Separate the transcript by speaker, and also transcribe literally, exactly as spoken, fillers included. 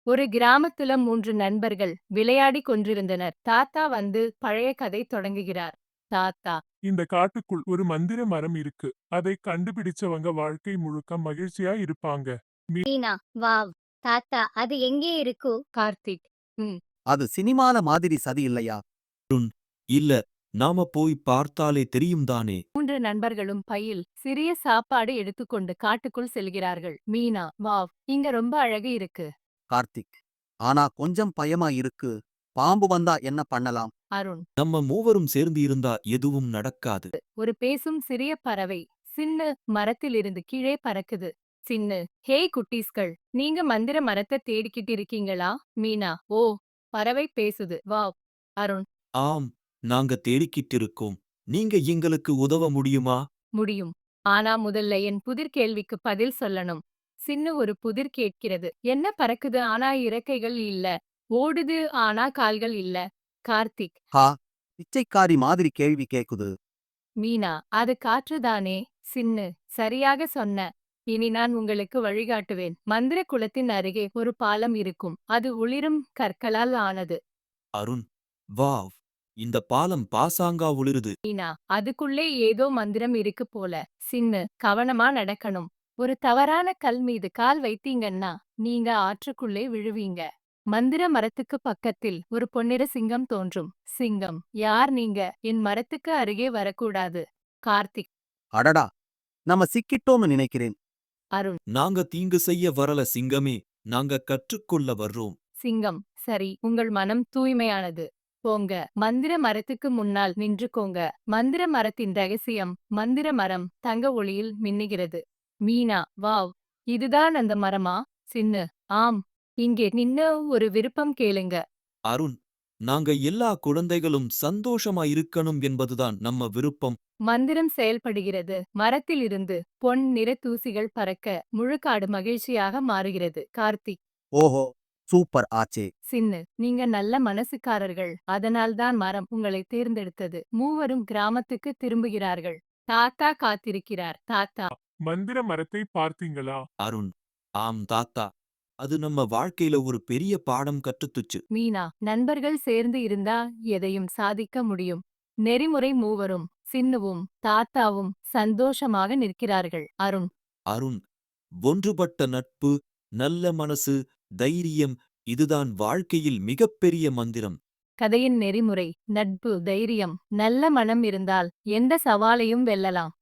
Speaker 1: ஒரு கிராமத்துல மூன்று நண்பர்கள் விளையாடிக் கொண்டிருந்தனர். தாத்தா வந்து பழைய கதை தொடங்குகிறார். தாத்தா,
Speaker 2: இந்த காட்டுக்குள் ஒரு மந்திர மரம் இருக்கு. அதை கண்டுபிடிச்சவங்க வாழ்க்கை முழுக்க மகிழ்ச்சியா இருப்பாங்க. மீ-
Speaker 3: மீனா வாவ். தாத்தா அது எங்கே இருக்கு?
Speaker 1: கார்த்திக். ம்.
Speaker 4: அது சினிமால மாதிரி சதி இல்லையா?
Speaker 5: இல்ல, நாம போய் பார்த்தாலே தெரியும் தானே.
Speaker 1: மூன்று நண்பர்களும் பையில் சிறிய சாப்பாடு எடுத்துக்கொண்டு காட்டுக்குள் செல்கிறார்கள். மீனா, வாவ், இங்க ரொம்ப அழகு இருக்கு.
Speaker 4: கார்த்திக். ஆனா கொஞ்சம் பயமா இருக்கு. பாம்பு வந்தா என்ன பண்ணலாம்?
Speaker 1: அருண்.
Speaker 5: நம்ம மூவரும் சேர்ந்து இருந்தா எதுவும் நடக்காது.
Speaker 1: ஒரு பேசும் சிறிய பறவை சின்ன மரத்திலிருந்து கீழே பறக்குது. சின்ன, ஹேய் குட்டீஸ்கள், நீங்க மந்திர மரத்தை தேடிக்கிட்டு இருக்கீங்களா? மீனா, ஓ, பறவை பேசுது. வாவ். அருண்.
Speaker 5: ஆம், நாங்க தேடிக்கிட்டு இருக்கோம். நீங்க எங்களுக்கு உதவ முடியுமா?
Speaker 1: முடியும். ஆனா முதல்ல என் புதிர் கேள்விக்கு பதில் சொல்லணும். சின்ன ஒரு புதிர் கேட்கிறது. என்ன பறக்குது ஆனா இறக்கைகள் இல்ல. ஓடுது ஆனா கால்கள் இல்ல. கார்த்திக்.
Speaker 4: ஹா, பிச்சைக்காரி மாதிரி கேள்வி கேக்குது.
Speaker 1: மீனா, அது காற்றுதானே. சின்னு, சரியாக சொன்ன. இனி நான் உங்களுக்கு வழிகாட்டுவேன். மந்திர குளத்தின் அருகே ஒரு பாலம் இருக்கும். அது ஒளிரும் கற்களால் ஆனது.
Speaker 5: அருண், வாவ், இந்த பாலம் பாசாங்கா ஒளிருது.
Speaker 1: மீனா, அதுக்குள்ளே ஏதோ மந்திரம் இருக்கு போல. சின்னு, கவனமா நடக்கணும். ஒரு தவறான கல் மீது கால் வைத்தீங்கன்னா நீங்க ஆற்றுக்குள்ளே விழுவீங்க. மந்திர மரத்துக்கு பக்கத்தில் ஒரு பொன்னிற சிங்கம் தோன்றும். சிங்கம், யார் நீங்க? என் மரத்துக்கு அருகே வரக்கூடாது. கார்த்திக்.
Speaker 4: அடடா, நம்ம சிக்கிட்டோம்னு நினைக்கிறேன்.
Speaker 1: அருண்.
Speaker 5: நாங்க தீங்கு செய்ய வரல சிங்கமே, நாங்க கற்றுக்கொள்ள வர்றோம்.
Speaker 1: சிங்கம், சரி, உங்கள் மனம் தூய்மையானது. போங்க, மந்திர மரத்துக்கு முன்னால் நின்றுக்கோங்க. மந்திர மரத்தின் ரகசியம். மந்திர மரம் தங்க ஒளியில் மின்னுகிறது. மீனா, வாவ், இதுதான் அந்த மரமா? சின்னு, ஆம். இங்கே நின்னு ஒரு விருப்பம் கேளுங்க.
Speaker 5: அருண், நாங்க எல்லா குழந்தைகளும் சந்தோஷமா இருக்கணும் என்பதுதான் நம்ம விருப்பம்.
Speaker 1: மந்திரம் செயல்படுகிறது. மரத்திலிருந்து பொன் நிற தூசிகள் பறக்க முழுக்காடு மகிழ்ச்சியாக மாறுகிறது. கார்த்திக்.
Speaker 4: ஓஹோ, சூப்பர் ஆச்சே.
Speaker 1: சின்னு, நீங்க நல்ல மனசுக்காரர்கள். அதனால்தான் மரம் உங்களை தேர்ந்தெடுத்தது. மூவரும் கிராமத்துக்கு திரும்புகிறார்கள். தாத்தா காத்திருக்கிறார். தாத்தா.
Speaker 2: மந்திர மரத்தை பார்த்தீங்களா?
Speaker 5: அருண், ஆம் தாத்தா, அது நம்ம வாழ்க்கையில ஒரு பெரிய பாடம் கற்றுத்துச்சு.
Speaker 1: மீனா, நண்பர்கள் சேர்ந்து இருந்தா எதையும் சாதிக்க முடியும். நெறிமுறை மூவரும் சின்னுவும் தாத்தாவும் சந்தோஷமாக நிற்கிறார்கள். அருண்.
Speaker 5: அருண், ஒன்றுபட்ட நட்பு, நல்ல மனசு, தைரியம், இதுதான் வாழ்க்கையில் மிகப்பெரிய மந்திரம்.
Speaker 1: கதையின் நெறிமுறை. நட்பு, தைரியம், நல்ல மனம் இருந்தால் எந்த சவாலையும் வெல்லலாம்.